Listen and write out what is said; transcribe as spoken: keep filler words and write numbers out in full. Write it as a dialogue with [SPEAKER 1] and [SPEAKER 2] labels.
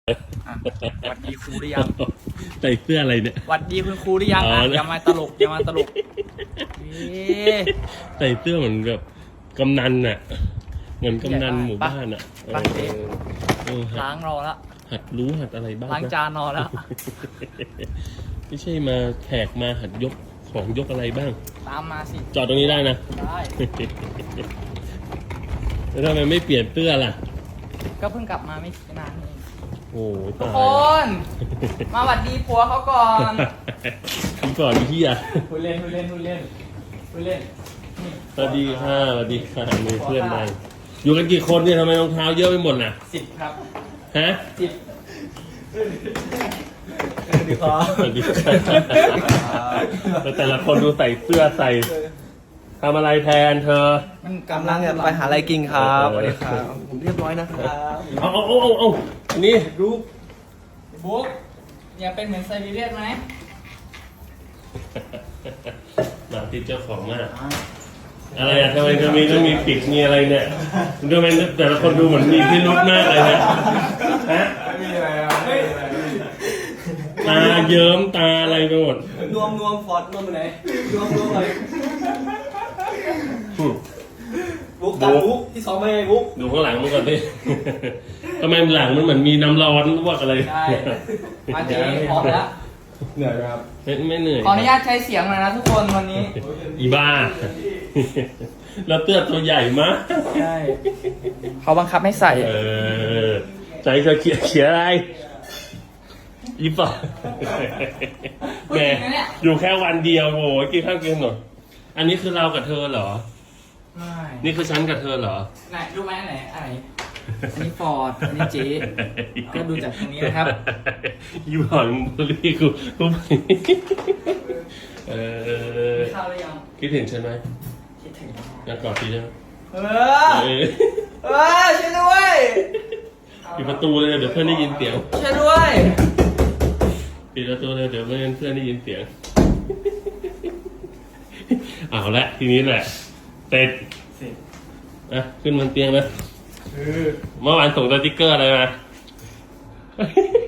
[SPEAKER 1] วัดดีครูหรือยัง
[SPEAKER 2] ใส่เสื้ออะไรเนี่ย
[SPEAKER 1] วัดดีคุณครูหรือยังอ่ะอย่ามาตลกอย่ามาตลก
[SPEAKER 2] ใส่เสื้อเหมือนแบบกำนันน่ะเหมือนกำนันหมู่บ้านอ่ะ
[SPEAKER 1] ปักเองล้างรอละ
[SPEAKER 2] หัดรู้หัดอะไรบ้าง
[SPEAKER 1] ล้างจานรอแล้ว
[SPEAKER 2] ไม่ใช่มาแขกมาหัดยกของยกอะไรบ้าง
[SPEAKER 1] ตามมาสิ
[SPEAKER 2] จอดตรงนี้ได้นะ
[SPEAKER 1] ได้
[SPEAKER 2] แล้วทำไมไม่เปลี่ยนเสื้อล่ะ
[SPEAKER 1] ก็เพิ่งกลับมาไม่นานเอง
[SPEAKER 2] โอ้
[SPEAKER 1] ทุกคนมาหวัดดีผัวเขาก่อน
[SPEAKER 2] พี่ก่อนพี่อ่ะ
[SPEAKER 1] พูดเล่นพูดเล่นพูดเล่นพูดเล่น
[SPEAKER 2] สวัสดีค่ะสวัสดีค่ะมีเพื่อนมาอยู่กันกี่คนเนี่ยทำไมรองเท้าเยอะไปหมดน่ะ
[SPEAKER 1] สิบครับ
[SPEAKER 2] ฮะ
[SPEAKER 1] สิบสวัสดีครับ
[SPEAKER 2] สวัสดีค่ะแต่ละคนดูใส่เสื้อใส่ทำอะไรแทนเธอ
[SPEAKER 1] มันกำลังจะไปหาอะไรกินครับสวัสดีครับผมเรียบร้อยนะครับ
[SPEAKER 2] เอาเอาเอาเอาอันนี้
[SPEAKER 1] รูปบุ๊กอยากเป็นเหมือนไซบีเรียนไหม
[SPEAKER 2] หมาติดเจ้าของมากอะไรอะทำไมจะมีต้องมีปิดมีอะไรเนี่ยดูมันแต่ละคนดูเหมือนมีพิรุธมากเลยนะฮะ
[SPEAKER 1] ไม่มีอะไรอ่ะ
[SPEAKER 2] ตาเยิ้มตาอะไรไปหมด
[SPEAKER 1] นวมนวมฟอดนวมไปไหนนวมนวมอะไรบุ๊กตาบุ๊กที่ซ้อมไม่บุ๊ก
[SPEAKER 2] ดูข้างหลังมันก่อนดิทำไมหลังมันเหมือนมีน้ำร้อนพวกอะไร
[SPEAKER 1] ใช่มาเจ๊พร้อมแล้ว
[SPEAKER 2] เหนื่อยครับไม่ไม่เหนื่อย
[SPEAKER 1] ขออนุญาตใช้เสียงหน่อยนะทุกคนวันนี้
[SPEAKER 2] อีบ้าแล้วเตื้อตัวใหญ่มาก
[SPEAKER 1] ใช่เขาบังคับให้ใส่
[SPEAKER 2] เออใจจะเขียนเขียนอะไรอีป่ะแม่อยู่แค่วันเดียวโว้ยกินข้าวกินหน่อยอันนี้คือเรากับเธอเหรอ
[SPEAKER 1] ไม่
[SPEAKER 2] นี่คือฉันกับเธอเหรอ
[SPEAKER 1] ไหนดูไหมไหนอะไรอันนี้ฟอร์ดอันนี้เจ๊ก็ดูจากตรงนี้นะครับ
[SPEAKER 2] ยูหอนบุรีกูกูเออ
[SPEAKER 1] ข้าวหรือยัง
[SPEAKER 2] คิดถึงฉันไหม
[SPEAKER 1] คิดถึง
[SPEAKER 2] อยากกอดทีได้ไหม
[SPEAKER 1] เออเออช่วยด้วย
[SPEAKER 2] ปิดประตูเลยเดี๋ยวเพื่อนได้ยินเสียง
[SPEAKER 1] ช่วยด้วย
[SPEAKER 2] ปิดประตูเลยเดี๋ยวเพื่อนเพื่อนได้ยินเสียงเอาละทีนี้แหละเสร็จอ่ะขึ้นบนเตียงนะเมื่อวานส่งสติ๊กเกอร์อะไรมา